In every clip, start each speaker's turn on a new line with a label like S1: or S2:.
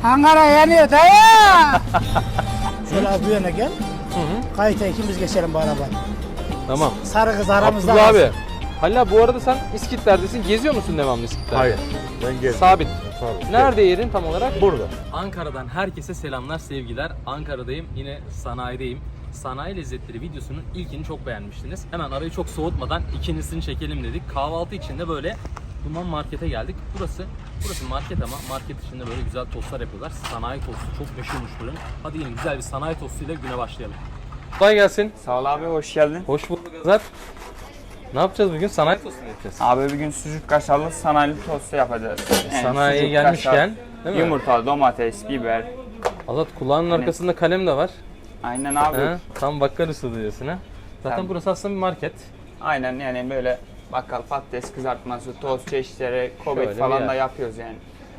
S1: Ankara yanıyor dayı. Şöyle az bu yana gel. Kayıta ikimiz geçelim bu arabayı.
S2: Tamam.
S1: Sarı kız aramızda.
S2: Abdullah
S1: kalsın.
S2: abi. Halil abi bu arada sen İskitler'desin. Geziyor musun devamlı İskitler'de?
S3: Hayır. Ben geldim.
S2: Sabit.
S3: Sabit.
S2: Nerede yerin tam olarak?
S3: Burada.
S2: Ankara'dan herkese selamlar, sevgiler. Ankara'dayım, yine sanayideyim. Sanayi lezzetleri videosunun ilkini çok beğenmiştiniz. Hemen arayı çok soğutmadan ikincisini çekelim dedik. Kahvaltı için de böyle Duman Market'e geldik. Burası market ama market içinde böyle güzel tostlar yapıyorlar. Sanayi tostu çok meşhurmuş buranın. Hadi yine güzel bir sanayi tostuyla güne başlayalım. Kolay gelsin.
S4: Sağ ol abi, hoş geldin.
S2: Hoş bulduk Azat. Ne yapacağız bugün? Sanayi tostu mu yapacağız?
S4: Abi bugün sucuk kaşarlı sanayili tostu yapacağız. Yani
S2: Sanayiye
S4: sucuk,
S2: gelmişken,
S4: kaşar,
S2: değil mi?
S4: yumurta, domates, biber.
S2: Azat kulağının arkasında kalem de var.
S4: Aynen abi.
S2: Ha, tam bakkal usulü diyorsun ha. Zaten
S4: Tabii.
S2: burası aslında bir market.
S4: Aynen, yani böyle bakkal, patates kızartması, tost çeşitleri,
S2: Şöyle
S4: kobet
S2: bir
S4: falan
S2: yer.
S4: da yapıyoruz yani.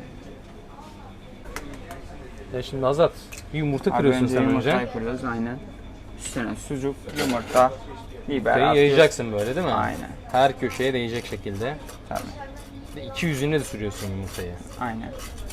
S2: Ya şimdi Azat bir yumurta
S4: Abi
S2: kırıyorsun
S4: önce
S2: sen
S4: yumurtayı
S2: önce.
S4: kırıyoruz, aynen. Üstüne sucuk, yumurta, biber
S2: Yumurtayı
S4: atıyoruz.
S2: yayacaksın böyle değil mi?
S4: Aynen.
S2: Her köşeye değecek şekilde.
S4: Tabii.
S2: Bir de iki yüzüne de sürüyorsun yumurtayı.
S4: Aynen.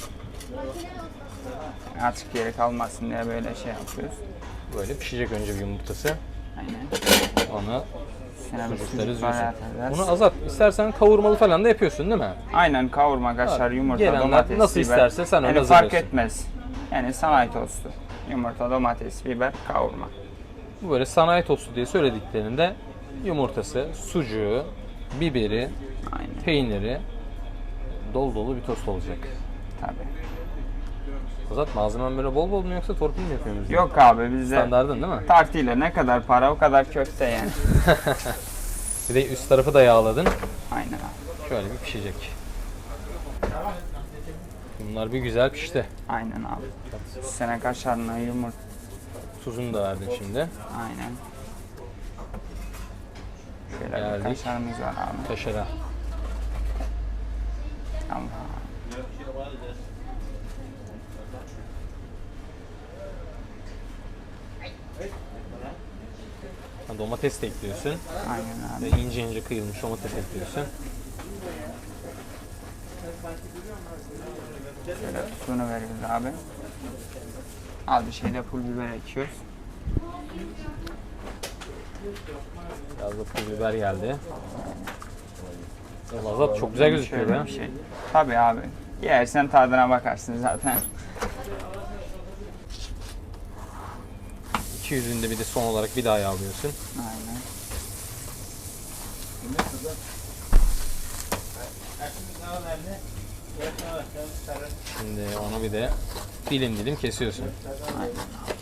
S4: Açık yere kalmasın diye böyle şey yapıyoruz.
S2: Böyle pişecek önce bir yumurtası.
S4: Aynen.
S2: Onu
S4: Üstüne bir
S2: sucukları
S4: sucuk var
S2: üzüyorsun.
S4: atacağız.
S2: Bunu Azat istersen kavurmalı falan da yapıyorsun değil mi?
S4: Aynen, kavurma, kaşar, yumurta,
S2: gelenler
S4: domates,
S2: nasıl
S4: biber.
S2: isterse sen öyle
S4: yani fark
S2: hazırlıyorsun.
S4: etmez. Yani sanayi tostu. Yumurta, domates, biber, kavurma.
S2: Bu böyle sanayi tostu diye söylediklerinde yumurtası, sucuğu, biberi,
S4: Aynen.
S2: peyniri dolu dolu bir tost olacak.
S4: Tabii.
S2: Azat malzemen böyle bol bol mu yoksa torpil mi yapıyoruz?
S4: Yok abi, bizde
S2: Standardın değil mi?
S4: tartıyla ne kadar para o kadar köfte yani.
S2: Bir de üst tarafı da yağladın.
S4: Aynen abi.
S2: Şöyle bir pişecek. Bunlar bir güzel pişti.
S4: Aynen abi. Üstüne kaşarına, yumurta.
S2: Tuzunu da verdin şimdi.
S4: Aynen. Şöyle bir
S2: Geldik.
S4: kaşarımız var abi.
S2: Kaşara.
S4: Tamam.
S2: Ha, domates de ekliyorsun.
S4: Aynen
S2: Ve
S4: abi.
S2: ince ince kıyılmış domates ekliyorsun.
S4: Şöyle tuzunu veriyoruz abi. Az bir şeyde pul biber ekiyoruz.
S2: Biraz da pul biber geldi. Azat çok güzel gözüküyor
S4: Şöyle
S2: ya.
S4: bir şey. Tabii abi. Yersen tadına bakarsın zaten.
S2: İki yüzünde bir de son olarak bir daha yağlıyorsun.
S4: Aynen.
S2: Şimdi onu bir de dilim dilim kesiyorsun.
S4: Aynen.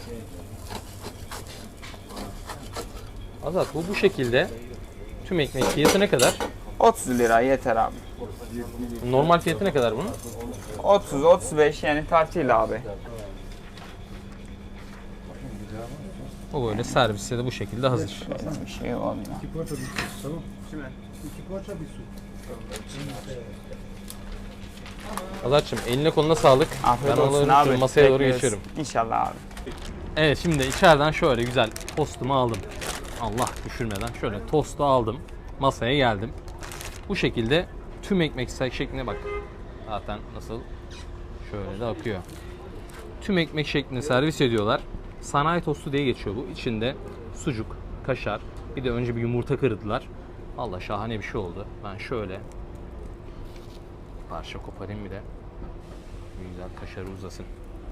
S2: Azat bu şekilde tüm ekmek fiyatı ne kadar?
S4: 30 lira yeter abi.
S2: Normal fiyatı ne kadar bunun?
S4: 30-35 yani tartıyla abi.
S2: O böyle serviste de bu şekilde hazır.
S4: Bir şey olmuyor.
S2: Azat'cığım eline koluna sağlık.
S4: Afiyet
S2: Ben
S4: olsun
S2: onları
S4: abi.
S2: şöyle masaya doğru
S4: Bekleriz.
S2: geçiyorum.
S4: İnşallah abi.
S2: Evet şimdi içeriden şöyle güzel tostumu aldım. Allah düşürmeden şöyle tostu aldım. Masaya geldim. Bu şekilde tüm ekmek şekline bak. Zaten nasıl şöyle de akıyor. Tüm ekmek şeklinde servis ediyorlar. Sanayi tostu diye geçiyor bu. İçinde sucuk, kaşar, bir de önce bir yumurta kırdılar. Allah şahane bir şey oldu. Ben şöyle parça koparayım bir de. Bir güzel kaşarı uzasın.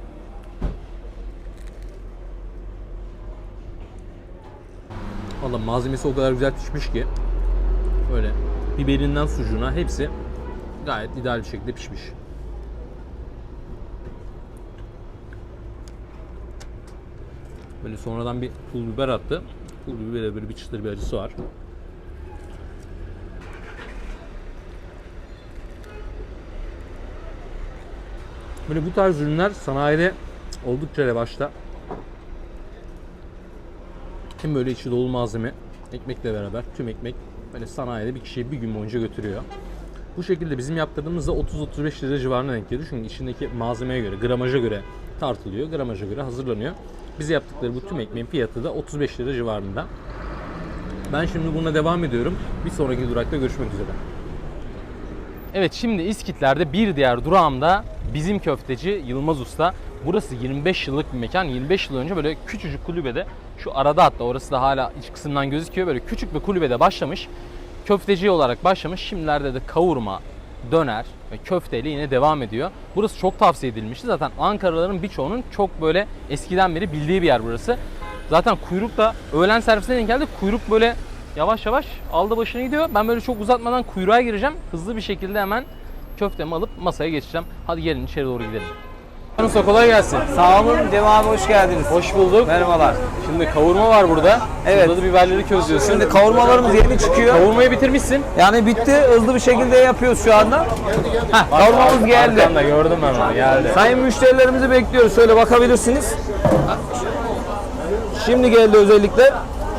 S2: Valla malzemesi o kadar güzel pişmiş ki böyle biberinden sucuğuna hepsi gayet ideal bir şekilde pişmiş. Böyle sonradan bir pul biber attı. Pul bibere böyle bir çıtır bir acısı var. Böyle bu tarz ürünler sanayide oldukça revaçta. Hem böyle içi dolu malzeme, ekmekle beraber tüm ekmek böyle sanayide bir kişiyi bir gün boyunca götürüyor. Bu şekilde bizim yaptırdığımızda 30-35 lira civarına denk geliyor. Çünkü içindeki malzemeye göre, gramaja göre tartılıyor, gramaja göre hazırlanıyor. Bize yaptıkları bu tüm ekmeğin fiyatı da 35 lira civarında. Ben şimdi buna devam ediyorum. Bir sonraki durakta görüşmek üzere. Evet, şimdi İskitler'de bir diğer durağımda bizim köfteci Yılmaz Usta. Burası 25 yıllık bir mekan. 25 yıl önce böyle küçücük kulübede, şu arada hatta orası da hala iç kısımdan gözüküyor. Böyle küçük bir kulübede başlamış. Köfteci olarak başlamış. Şimdilerde de kavurma, döner ve köfteyle yine devam ediyor. Burası çok tavsiye edilmişti. Zaten Ankaralıların birçoğunun çok böyle eskiden beri bildiği bir yer burası. Zaten kuyruk da öğlen servisine denk geldi. Kuyruk böyle yavaş yavaş aldı başını gidiyor. Ben böyle çok uzatmadan kuyruğa gireceğim. Hızlı bir şekilde hemen köftemi alıp masaya geçeceğim. Hadi gelin içeri doğru gidelim. Usta kolay gelsin.
S3: Sağ olun Cem abi, hoş geldiniz.
S2: Hoş bulduk.
S3: Merhabalar.
S2: Şimdi kavurma var burada.
S3: Evet.
S2: Burada da biberleri közlüyorsun.
S3: Şimdi kavurmalarımız yeni çıkıyor.
S2: Kavurmayı bitirmişsin.
S3: Yani bitti, hızlı bir şekilde yapıyoruz şu anda. Kavurmamız geldi.
S2: Arkamda gördüm ben onu, geldi.
S3: Sayın müşterilerimizi bekliyoruz. Şöyle bakabilirsiniz. Şimdi geldi özellikle.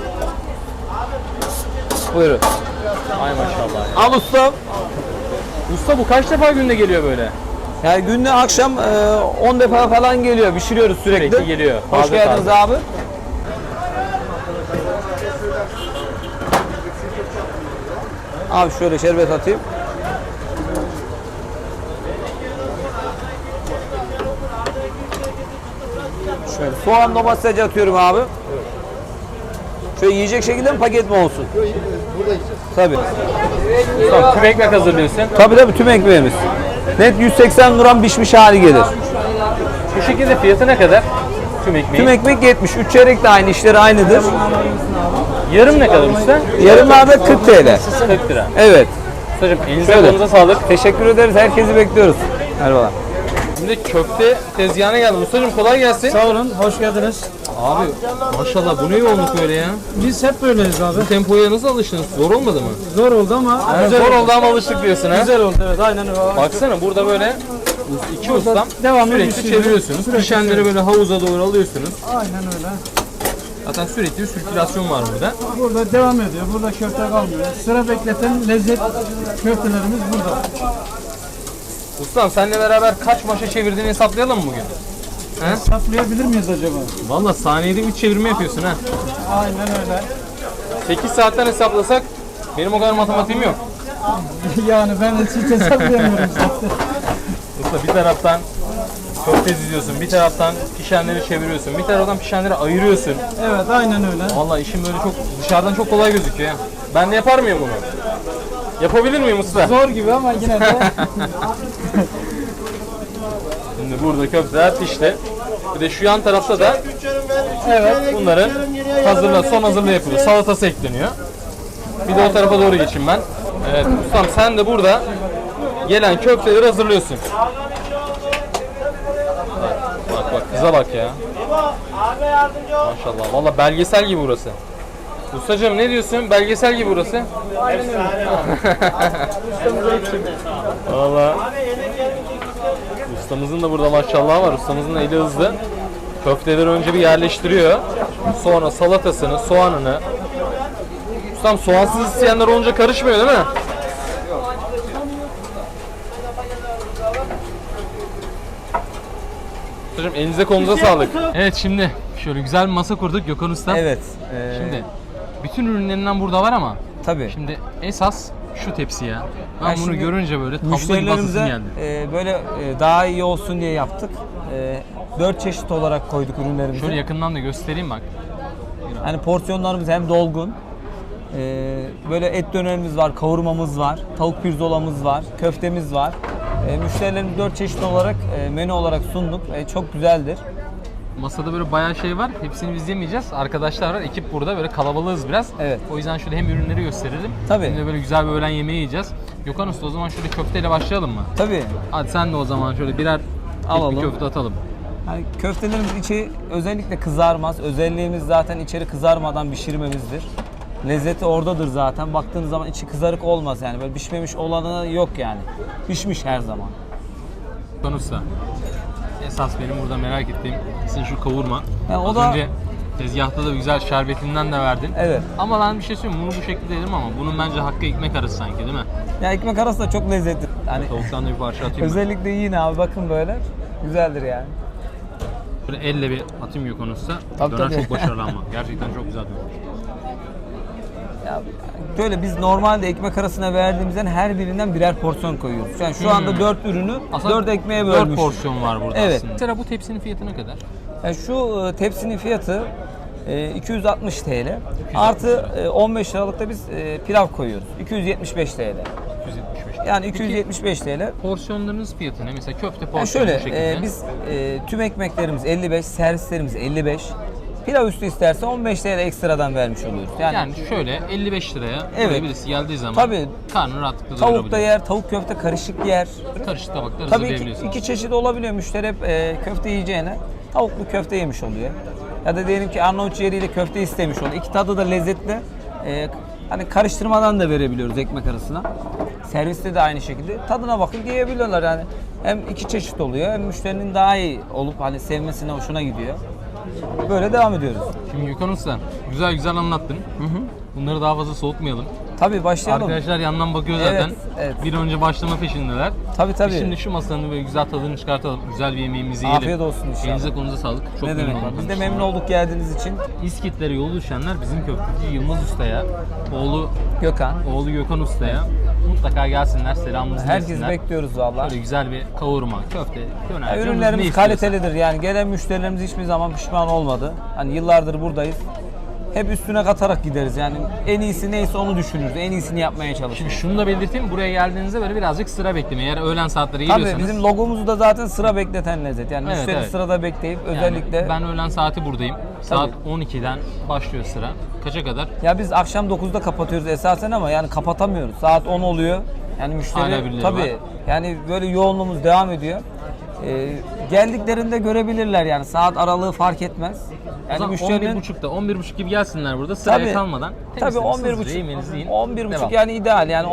S3: Buyurun.
S2: Ay maşallah.
S3: Al ustam.
S2: Usta bu kaç defa günde geliyor böyle?
S3: Yani günde akşam 10 defa falan geliyor. Pişiriyoruz sürekli.
S2: Sürekli geliyor.
S3: Hoş
S2: Taze
S3: geldiniz
S2: taze.
S3: abi. Abi şöyle şerbet atayım. Şöyle soğan domates atıyorum abi. Şöyle yiyecek şekilde mi, paket mi olsun? Tabii.
S2: Usta tüm ekmek hazırlıyorsun.
S3: Tabii tüm ekmeğimiz. Net 180 gram pişmiş hali gelir.
S2: Bu şekilde fiyatı ne kadar? Tüm ekmeği.
S3: Tüm ekmek 70. 3 çeyrek de aynı, işleri aynıdır.
S2: Yarım ne kadar usta?
S3: Yarımlarda 40 TL.
S2: 40 lira.
S3: Evet.
S2: Ustacığım elinize
S3: Şöyle.
S2: kolunuza sağlık.
S3: Teşekkür ederiz. Herkesi bekliyoruz. Merhabalar.
S2: Şimdi köfte tezgahına geldim. Ustacığım kolay gelsin.
S1: Sağ olun, hoş geldiniz.
S2: Abi maşallah bu ne yoğunluk böyle ya?
S1: Biz hep böyleyiz abi.
S2: Bu tempoya nasıl alıştınız? Zor olmadı mı?
S1: Zor oldu ama
S2: Zor oldu ama alıştık diyorsun ha.
S1: güzel oldu, evet, aynen öyle.
S2: Baksana burada böyle iki ustam
S1: devamlı
S2: sürekli
S1: pişiriyor.
S2: çeviriyorsunuz.
S1: Sürekli
S2: Pişenleri böyle havuza doğru alıyorsunuz.
S1: Aynen öyle.
S2: Zaten sürekli bir sirkülasyon var burada.
S1: Burada devam ediyor, burada köfte kalmıyor. Sıra bekleten lezzet köftelerimiz burada.
S2: Ustam seninle beraber kaç maşa çevirdiğini hesaplayalım mı bugün? He?
S1: Saplayabilir miyiz acaba?
S2: Valla saniyede 3 çevirme yapıyorsun ha.
S1: Aynen öyle.
S2: 8 saatten hesaplasak benim o kadar matematiğim yok.
S1: Yani ben hiç hesaplayamıyorum zaten.
S2: Usta bir taraftan köfte diziyorsun, bir taraftan pişenleri çeviriyorsun, bir taraftan pişenleri ayırıyorsun.
S1: Evet, aynen öyle.
S2: Valla işim böyle çok dışarıdan çok kolay gözüküyor. Ben de yapar mıyım bunu? Yapabilir miyim usta?
S1: Zor gibi ama yine de.
S2: Şimdi burada köfteler pişti. Bir de şu yan tarafta da evet bunların son hazırlığı yapılıyor. Salatası ekleniyor. Bir de o tarafa doğru geçeyim ben. Evet ustam sen de burada gelen köfteleri hazırlıyorsun. Bak bak kıza bak ya. Maşallah. Valla belgesel gibi burası. Ustacığım ne diyorsun? Belgesel gibi burası. Valla. Ustamızın da burada maşallah var. Ustamızın da eli hızlı. Köfteleri önce bir yerleştiriyor. Sonra salatasını, soğanını. Ustam soğansız isteyenler olunca karışmıyor değil mi? Ustacığım elinize kolunuza sağlık. Evet şimdi şöyle güzel bir masa kurduk Gökhan Usta.
S3: Evet.
S2: Şimdi bütün ürünlerinden burada var ama
S3: Tabii.
S2: şimdi esas şu tepsi ya. Ben
S3: Ben
S2: bunu
S3: şimdi
S2: görünce böyle tablo gibi basasım
S3: Müşterilerimize
S2: geldi.
S3: böyle daha iyi olsun diye yaptık. 4 çeşit olarak koyduk ürünlerimizi.
S2: Şöyle yakından da göstereyim bak.
S3: Yani porsiyonlarımız hem dolgun. Böyle et dönerimiz var, kavurmamız var, tavuk pirzolamız var, köftemiz var. Müşterilerimiz 4 çeşit olarak menü olarak sunduk. Çok güzeldir.
S2: Masada böyle bayağı şey var. Hepsini biz yemeyeceğiz. Arkadaşlar var. Ekip burada. Böyle kalabalığız biraz.
S3: Evet.
S2: O yüzden şöyle hem ürünleri gösterelim.
S3: Tabii.
S2: Hem de böyle güzel bir öğlen yemeği yiyeceğiz. Gökhan Usta o zaman şöyle köfteyle başlayalım mı?
S3: Tabii.
S2: Hadi sen de o zaman şöyle birer
S3: Alalım.
S2: bir köfte atalım.
S3: Yani köftelerimiz içi özellikle kızarmaz. Özelliğimiz zaten içeri kızarmadan pişirmemizdir. Lezzeti oradadır zaten. Baktığınız zaman içi kızarık olmaz yani. Böyle pişmemiş olanı yok yani. Pişmiş her zaman.
S2: Gökhan Usta. Esas benim burada merak ettiğim sizin şu kavurma.
S3: Ya o
S2: Az
S3: da-
S2: önce tezgahta da güzel şerbetinden de verdin.
S3: Evet.
S2: Ama ben bir şey söyleyeyim bunu bu şekilde dedim ama bunun bence hakkı ekmek arası sanki değil mi?
S3: Ya ekmek arası da çok lezzetli. Yani
S2: Tavuktan da bir parça atayım mı?
S3: özellikle yiyin abi, bakın böyle. Güzeldir yani.
S2: Böyle elle bir atayım Gökhan Usta.
S3: Tabii,
S2: Döner
S3: tabii.
S2: çok başarılı ama. Gerçekten çok güzel döner.
S3: Ya, böyle biz normalde ekmek arasına verdiğimizden her birinden birer porsiyon koyuyoruz. Yani şu anda 4 ürünü 4 ekmeğe
S2: 4
S3: bölmüşüz.
S2: porsiyon var burada
S3: Evet.
S2: aslında. Mesela bu tepsinin fiyatı ne kadar?
S3: Yani şu tepsinin fiyatı 260 TL. Artı 15 liralık da biz pilav koyuyoruz. 275 TL.
S2: 275.
S3: Yani 275 TL.
S2: Porsiyonlarınız fiyatı ne? Mesela köfte
S3: Yani
S2: porsiyonu bu
S3: şöyle
S2: şekilde.
S3: biz tüm ekmeklerimiz 55, servislerimiz 55. Pilav üstü isterse 15 TL ekstradan vermiş oluyoruz.
S2: Yani şöyle 55 liraya
S3: Evet.
S2: buraya birisi geldiği zaman
S3: Tabii.
S2: karnını rahatlıkla
S3: Tavuk da
S2: doyurabilir.
S3: yer, tavuk köfte karışık yer.
S2: Karışık tabaklar
S3: Tabii
S2: hazırlayabiliyorsunuz.
S3: iki çeşit olabiliyor. Müşteri hep köfte yiyeceğine tavuklu köfte yemiş oluyor. Ya da diyelim ki Arnavut ciğeriyle köfte istemiş oluyor. İki tadı da lezzetli. Hani karıştırmadan da verebiliyoruz ekmek arasına. Serviste de aynı şekilde tadına bakıp yiyebiliyorlar yani. Hem iki çeşit oluyor hem müşterinin daha iyi olup hani sevmesine hoşuna gidiyor. Böyle devam ediyoruz.
S2: Şimdi Gökhan Usta güzel güzel anlattın. Bunları daha fazla soğutmayalım.
S3: Tabii başlayalım.
S2: Arkadaşlar yandan bakıyor zaten.
S3: Evet, evet.
S2: Bir an önce başlama peşindeler.
S3: Tabii tabii.
S2: Biz şimdi şu masanın böyle güzel tadını çıkartalım. Güzel bir yemeğimizi yiyelim.
S3: Afiyet olsun inşallah.
S2: Elinize kolunuza sağlık. Çok
S3: Ne
S2: memnun
S3: demek?
S2: oldum.
S3: Biz de memnun olduk geldiğiniz için.
S2: İskitlere yol düşenler bizim köfteci Yılmaz Usta'ya,
S3: Gökhan.
S2: oğlu Gökhan Usta'ya mutlaka gelsinler, selamımızı
S3: Herkes
S2: versinler.
S3: bekliyoruz valla.
S2: Böyle güzel bir kavurma, köfte, döner. canınız ne
S3: Ürünlerimiz
S2: istiyorsa.
S3: kalitelidir yani gelen müşterilerimiz hiçbir zaman pişman olmadı. Hani yıllardır buradayız. Hep üstüne katarak gideriz yani en iyisi neyse onu düşünürüz. En iyisini yapmaya
S2: Şimdi
S3: çalışırız.
S2: şunu da belirteyim, buraya geldiğinizde böyle birazcık sıra beklemeyin. Eğer öğlen saatleri geliyorsanız.
S3: Tabii bizim logomuzu da zaten sıra bekleten lezzet. Yani
S2: Evet,
S3: müşteri
S2: evet.
S3: sırada bekleyip
S2: yani
S3: özellikle
S2: ben öğlen saati buradayım. Saat 12'den başlıyor sıra. Kaça kadar?
S3: ya biz akşam 9'da kapatıyoruz esasen ama yani kapatamıyoruz. Saat 10 oluyor. Yani
S2: Hala
S3: müşteri
S2: birileri
S3: tabii
S2: var.
S3: yani böyle yoğunluğumuz devam ediyor. Geldiklerinde görebilirler yani saat aralığı fark etmez.
S2: O
S3: Yani
S2: zaman
S3: müşterinin
S2: 11.30'da 11.30 gibi gelsinler burada sıraya
S3: Tabii.
S2: kalmadan.
S3: Tabii
S2: temizleyin,
S3: 11.30
S2: hızlıca yemeğinizi yiyin.
S3: 11.30
S2: Devam.
S3: yani ideal yani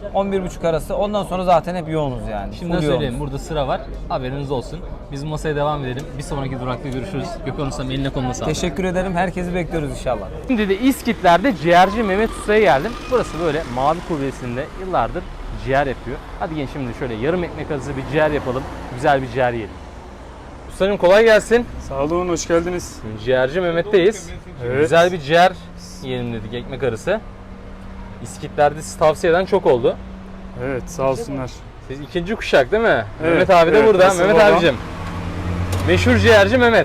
S3: 11 arası. Ondan sonra zaten hep yoğunuz yani.
S2: Şimdiden
S3: Full
S2: söyleyeyim,
S3: yoğunuz.
S2: burada sıra var. Haberiniz olsun. Biz masaya devam edelim. Bir sonraki durakta görüşürüz. Gökhan Usta'm eline koluna sağlık.
S3: Teşekkür ederim. Herkesi bekliyoruz inşallah.
S2: Şimdi de İskitler'de ciğerci Mehmet Usta'ya geldim. Burası böyle Mavi Kubbesi'nde yıllardır ciğer yapıyor. Hadi gelin şimdi şöyle yarım ekmek arası bir ciğer yapalım. Güzel bir ciğer yiyelim. Usta'cığım kolay gelsin.
S5: Sağ olun, hoş geldiniz.
S2: Ciğerci Mehmet'teyiz.
S5: Evet.
S2: Güzel bir ciğer yiyelim dedik, ekmek arası. İskitler'de sizi tavsiye eden çok oldu.
S5: Evet, sağ olsunlar.
S2: Siz ikinci kuşak değil mi?
S5: Evet,
S2: Mehmet abi de
S5: evet,
S2: burada.
S5: nasıl
S2: Mehmet
S5: babam?
S2: abicim. Meşhur ciğerci Mehmet.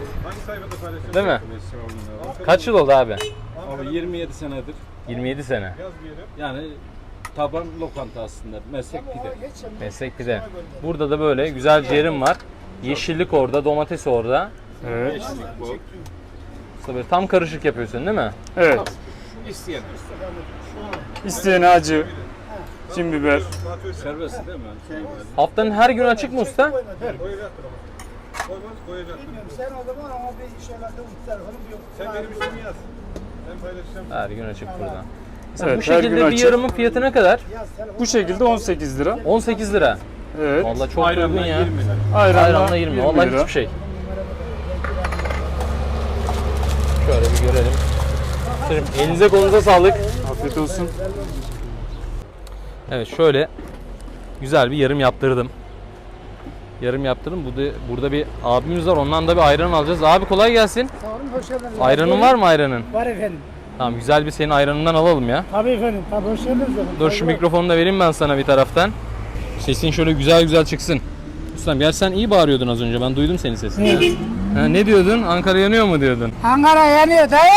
S2: Değil mi? Kaç yıl oldu abi?
S6: Abi 27 senedir.
S2: 27 sene.
S6: Yani taban lokanta aslında. Meslek pide.
S2: Meslek pide. Burada da böyle güzel ciğerim var. Yeşillik orada, domates orada.
S5: Evet.
S6: Bu.
S2: Usta böyle tam karışık yapıyorsun değil mi?
S5: Evet.
S6: İsteyen.
S5: İsteyene acı, cin biber.
S6: Serbest değil mi?
S2: Haftanın her günü açık mı usta?
S1: Sen o zaman ama bir şeylerde telefonum yok.
S7: Sen benim ismimi yaz. Ben paylaşacağım.
S2: Her gün açık burada. Mesela
S5: Evet,
S2: bu
S5: her gün
S2: şekilde bir
S5: açık.
S2: yarımın fiyatı ne kadar?
S5: Bu şekilde 18 lira.
S2: 18 lira.
S5: Evet.
S2: Vallahi çok uygun ya.
S6: 20 lira.
S2: Ayranla 20.
S5: 20
S2: Vallahi
S5: lira.
S2: hiçbir şey. Şöyle bir görelim. Ustacığım, elinize kolunuza sağlık.
S5: Afiyet olsun.
S2: Evet şöyle güzel bir yarım yaptırdım. Yarım yaptırdım. Burada bir abimiz var. Ondan da bir ayran alacağız. Abi kolay gelsin.
S1: Sağ olun, hoş geldiniz.
S2: Ayranın var mı ayranın?
S1: Var efendim.
S2: Tamam güzel bir senin ayranından alalım ya.
S1: Tabii efendim, tabii hoş geldiniz efendim.
S2: Dur şu mikrofonu da vereyim ben sana bir taraftan. Sesin şöyle güzel güzel çıksın. Ustam gel sen iyi bağırıyordun az önce. Ben duydum senin sesini. ya. Ha, ne diyordun? Ankara yanıyor mu diyordun?
S1: Ankara yanıyor dayı.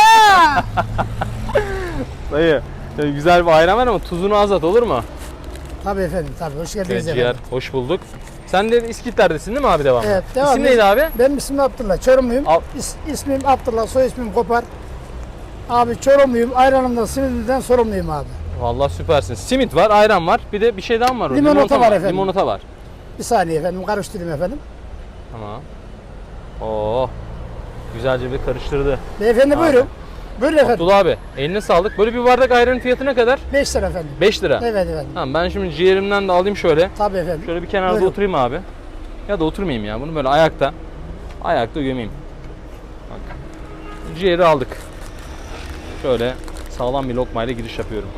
S2: Dayı şöyle güzel bir ayran var ama tuzunu az at olur mu?
S1: Tabii efendim, tabii hoş geldiniz
S2: Evet
S1: efendim.
S2: ciğer hoş bulduk. Sen de İskitler'desin değil mi abi devam?
S1: Evet, devam.
S2: İsim neydi abi?
S1: Benim ismim Abdullah, Çorumluyum. İsmim Abdullah, soy ismim Kopar. Abi Çorumluyum, ayranımdan, simidimden sorumluyum abi.
S2: Vallahi süpersin. Simit var, ayran var. Bir de bir şey daha mı var? orada?
S1: Limonata var efendim.
S2: Limonata var.
S1: Bir saniye efendim, karıştırayım efendim.
S2: Tamam. Oo. Güzelce bir karıştırdı.
S1: Beyefendi buyurun. Buyurun efendim.
S2: Abdullah abi eline sağlık. Böyle bir bardak ayranın fiyatı ne kadar?
S1: 5 lira efendim.
S2: 5 lira.
S1: Evet efendim.
S2: Tamam ben şimdi ciğerimden de alayım şöyle.
S1: Tabii efendim.
S2: Şöyle bir kenarda
S1: Buyurun.
S2: oturayım abi. Ya da oturmayayım ya. Bunu böyle ayakta. Ayakta gömeyim. Bak. Ciğeri aldık. Şöyle sağlam bir lokmayla giriş yapıyorum.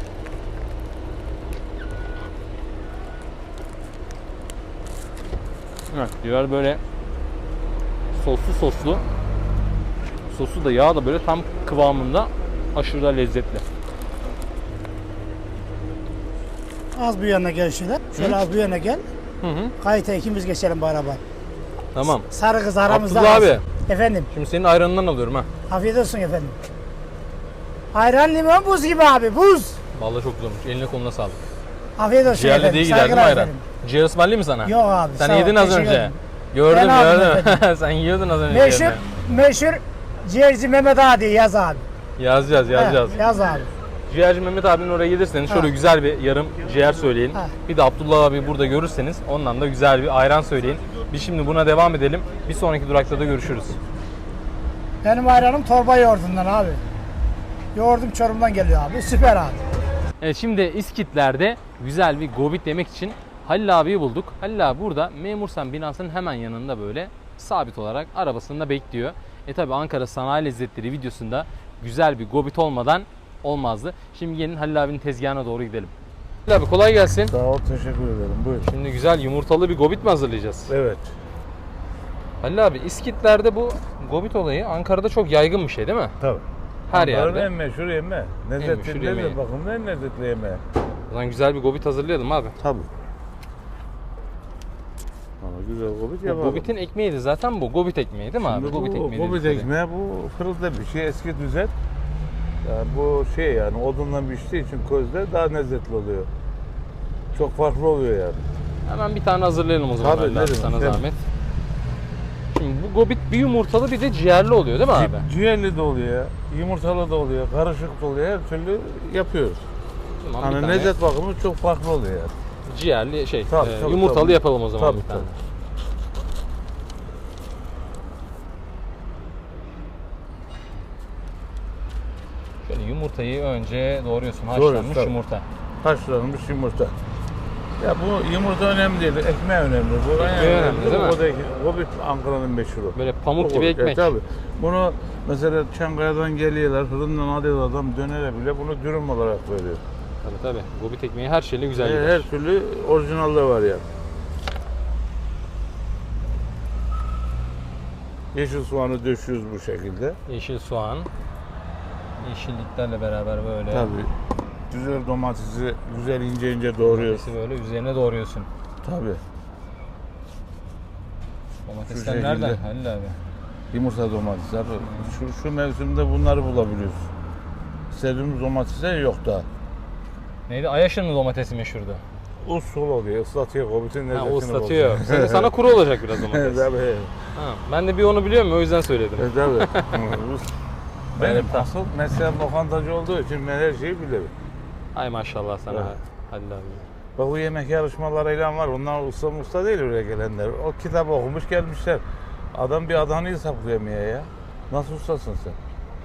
S2: Evet, ciğer böyle soslu. Sosu da yağ da böyle tam kıvamında, aşırı da lezzetli.
S1: Az bu yana gel şöyle. Şöyle az bu yana gel.
S2: Hı hı.
S1: Kayıta ikimiz geçelim bu araba.
S2: Tamam.
S1: Sarı kız aramızda.
S2: Abdullah
S1: kalsın.
S2: abi.
S1: Efendim.
S2: Şimdi senin ayranından alıyorum ha.
S1: Afiyet olsun efendim. Ayran limon buz gibi abi buz.
S2: Vallahi çok güzelmiş. Eline koluna sağlık.
S1: Afiyet olsun
S2: Ciğerli
S1: efendim.
S2: diye gider değil mi
S1: Saygılar
S2: ayran?
S1: efendim.
S2: Ciğer ısmarlayayım mı sana?
S1: Yok abi.
S2: Sen
S1: sağ ol,
S2: yedin az
S1: teşekkür
S2: önce.
S1: ederim.
S2: Gördüm
S1: Ben aldım
S2: gördüm. Sen yiyordun az önce.
S1: Meşhur,
S2: ciğerini.
S1: meşhur ciğerci Mehmet Adi yaz abi.
S2: Yazacağız yazacağız.
S1: He, yaz abi.
S2: Ciğerci Mehmet abinin oraya gelirseniz şöyle
S1: Ha.
S2: güzel bir yarım ciğer söyleyin.
S1: Ha.
S2: Bir de Abdullah abi burada görürseniz ondan da güzel bir ayran söyleyin. Biz şimdi buna devam edelim. Bir sonraki durakta da görüşürüz.
S1: Benim ayranım torba yoğurdundan abi. Yoğurdum Çorum'dan geliyor abi. Süper abi.
S2: Evet şimdi İskitler'de güzel bir gobit yemek için Halil abiyi bulduk. Halil abi burada Memursan binasının hemen yanında böyle sabit olarak arabasında bekliyor. Tabi Ankara Sanayi Lezzetleri videosunda güzel bir gobit olmadan olmazdı. Şimdi gelin Halil abinin tezgahına doğru gidelim. Halil abi kolay gelsin.
S8: Sağ ol, teşekkür ederim. Buyur.
S2: Şimdi güzel yumurtalı bir gobit mi hazırlayacağız?
S8: Evet.
S2: Halil abi İskitler'de bu gobit olayı Ankara'da çok yaygın bir şey değil mi?
S8: Tabii.
S2: Her
S8: Ankara'nın
S2: yerde.
S8: en meşhur yemeği.
S2: meşhur
S8: Lezzetli
S2: yemeği.
S8: lezzet bakımından en lezzetli yemeği.
S2: O zaman güzel bir gobit hazırlayalım abi.
S8: Tabii. Ama güzel gobit
S2: Bu
S8: yapalım.
S2: gobitin ekmeğiydi zaten bu. Gobit ekmeği değil mi abi?
S8: Şimdi
S2: Gobit
S8: bu
S2: ekmeği
S8: gobit
S2: dedikleri.
S8: ekmeği bu fırında bir şey, eski düzen. Yani bu şey yani odunla piştiği için közde daha lezzetli oluyor. Çok farklı oluyor yani.
S2: Hemen bir tane hazırlayalım o zaman
S8: Tabii,
S2: Halil abi,
S8: derim,
S2: sana
S8: derim.
S2: zahmet. Şimdi bu gobit bir yumurtalı bir de ciğerli oluyor değil mi abi?
S8: Ciğerli de oluyor, yumurtalı da oluyor, karışık da oluyor. Her türlü yapıyoruz.
S2: Tamam, bir
S8: Hani
S2: tane
S8: lezzet bakımı çok farklı oluyor yani.
S2: ciğerli şey
S8: Tabii,
S2: yumurtalı
S8: tabii.
S2: yapalım o zaman
S8: Tabii,
S2: bir tane.
S8: tabii.
S2: Şöyle yumurtayı önce doğruyorsun.
S8: Doğruyoruz,
S2: Haşlanmış
S8: tabii.
S2: yumurta.
S8: Haşlanmış yumurta. Ya bu yumurta önemli değil, ekmeği önemli. Bu
S2: Ekmeği önemli, değil mi?
S8: Gobit Ankara'nın meşhuru.
S2: Böyle pamuk gibi
S8: Gobit,
S2: ekmek.
S8: tabii. Bunu mesela Çankaya'dan geliyorlar, fırından alıyor adam dönere bile bunu dürüm olarak veriyor.
S2: Tabii tabii. Gobit ekmeği her şeyle güzel gider.
S8: Her türlü orijinalde var yani. Yeşil soğanı döşüyoruz bu şekilde.
S2: Yeşil soğan. Yeşilliklerle beraber böyle.
S8: Tabii. Güzel domatesi güzel ince ince doğruyoruz.
S2: Domatesi böyle üzerine doğruyorsun.
S8: Tabii.
S2: Domatesler
S8: şekilde.
S2: nereden Halil abi?
S8: Yumurta domatesler. Şu mevsimde bunları bulabiliyoruz. İstediğimiz domatesler yok daha.
S2: Neydi? Ayaşın mı domatesi meşhurdu?
S8: Usul oluyor, ıslatıyor, gobitin
S2: Ha,
S8: lezzetini
S2: o ıslatıyor. Sana kuru olacak biraz domates.
S8: Tabii.
S2: Ha, ben de bir onu biliyorum o yüzden söyledim.
S8: Tabii. Benim
S2: Evet,
S8: asıl mesleğim lokantacı olduğu için ben her şeyi bilirim.
S2: Ay maşallah sana
S8: Evet.
S2: Halil abi.
S8: Bak bu yemek yarışmalarıyla var. Onlar usta değil oraya gelenler. O kitap okumuş gelmişler. Adam bir adanı hesaplayamıyor ya. Nasıl ustasın sen?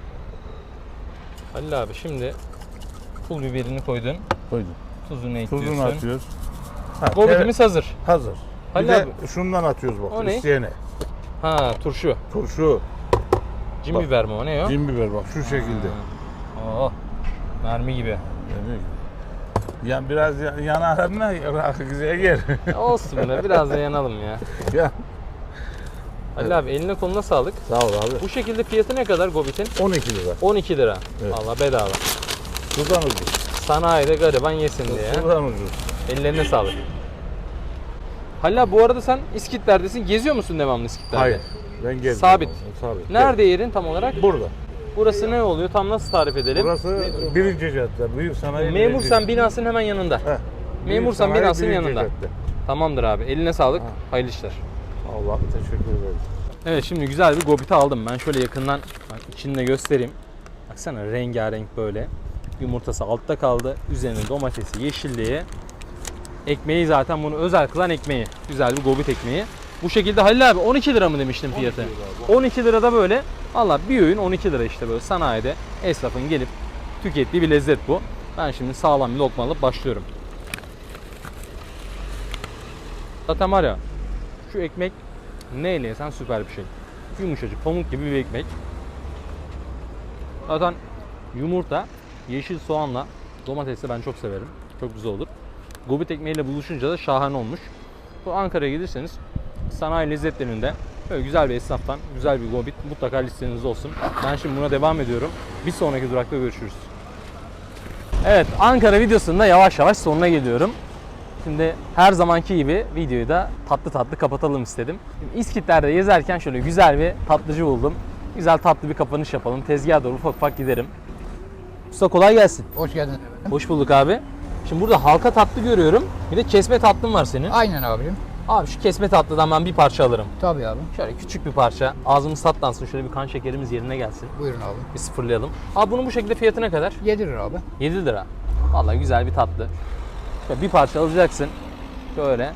S2: Halil abi şimdi pul biberini koydun.
S8: Koydum.
S2: Tuzunu ekliyorsun.
S8: Tuzunu atıyoruz. Ha,
S2: Gobitimiz hazır.
S8: hazır.
S2: Halil
S8: Bir de
S2: abi.
S8: şundan atıyoruz bak.
S2: O ne?
S8: İsteyene.
S2: Ha turşu.
S8: Turşu,
S2: Cin
S8: Bak.
S2: biber mi o ne o?
S8: cin biber bak şu şekilde.
S2: Oh. Mermi gibi.
S8: Yani, ya biraz yanar ama güzel gel.
S2: Olsun be biraz da yanalım ya.
S8: Ya
S2: Halil abi eline koluna sağlık.
S8: sağ ol abi.
S2: Bu şekilde fiyatı ne kadar Gobit'in?
S8: 12 lira.
S2: 12 lira.
S8: Evet.
S2: Allah bedava.
S8: Sudan ucuz.
S2: Sanayide gariban yesin diye.
S8: Sudan ucuz.
S2: Ellerine sağlık. Halil abi bu arada sen İskitler'desin. Geziyor musun devamlı İskitler'de?
S8: Hayır. Ben gezdim.
S2: Sabit.
S8: Sabit.
S2: Nerede yerin tam olarak?
S8: Burada.
S2: Burası ne oluyor? Tam nasıl tarif edelim?
S8: Burası birinci cadde. Büyük sanayi.
S2: Memursan binasının hemen yanında.
S8: Heh.
S2: Memursan
S8: Büyük sanayi
S2: binasının
S8: birinci
S2: yanında.
S8: cadde.
S2: Tamamdır abi. Eline sağlık. Hayırlı işler.
S8: Allah teşekkür ederim.
S2: Evet şimdi güzel bir gobiti aldım. Ben şöyle yakından bak, içini de göstereyim. Baksana rengarenk böyle. Yumurtası altta kaldı. Üzerine domatesi, yeşilliği. Ekmeği zaten bunu özel kılan ekmeği. Güzel bir gobit ekmeği. Bu şekilde Halil abi 12 lira mı demiştin fiyatı? 12 lirada böyle. Valla bir öğün 12 lira işte böyle sanayide esnafın gelip tükettiği bir lezzet bu. Ben şimdi sağlam bir lokma alıp başlıyorum. Zaten var ya şu ekmek neyle yesen süper bir şey. Yumuşacık pamuk gibi bir ekmek. Zaten yumurta, yeşil soğanla domatesle ben çok severim. Çok güzel olur. Gobit ekmeğiyle buluşunca da şahane olmuş. Bu Ankara'ya giderseniz sanayi lezzetlerinde böyle güzel bir esnaftan güzel bir gobit mutlaka listenizde olsun. Ben şimdi buna devam ediyorum. Bir sonraki durakta görüşürüz. Evet Ankara videosunda yavaş yavaş sonuna geliyorum. Şimdi her zamanki gibi videoyu da tatlı tatlı kapatalım istedim. Şimdi İskitler'de gezerken şöyle güzel bir tatlıcı buldum. Güzel tatlı bir kapanış yapalım. Tezgaha doğru ufak ufak giderim. Usta kolay gelsin.
S9: Hoş geldin.
S2: Hoş bulduk abi. Şimdi burada halka tatlı görüyorum. Bir de kesme tatlın var senin.
S9: Aynen abicim.
S2: Abi şu kesme tatlıdan ben bir parça alırım.
S9: Tabii abi.
S2: Şöyle küçük bir parça. Ağzımız tatlansın. Şöyle bir kan şekerimiz yerine gelsin.
S9: Buyurun abi.
S2: Bir sıfırlayalım. Abi bunun bu şekilde fiyatı ne kadar?
S9: 7 lira abi.
S2: 7 lira. Vallahi güzel bir tatlı. Şöyle bir parça alacaksın. Şöyle.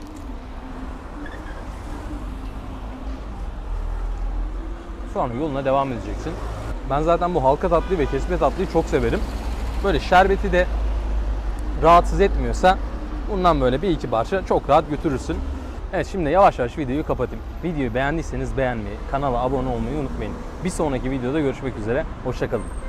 S2: Sonra yoluna devam edeceksin. Ben zaten bu halka tatlıyı ve kesme tatlıyı çok severim. Böyle şerbeti de rahatsız etmiyorsa bundan böyle bir iki parça çok rahat götürürsün. Evet, şimdi yavaş yavaş videoyu kapatayım. Videoyu beğendiyseniz beğenmeyi, kanala abone olmayı unutmayın. Bir sonraki videoda görüşmek üzere. Hoşça kalın.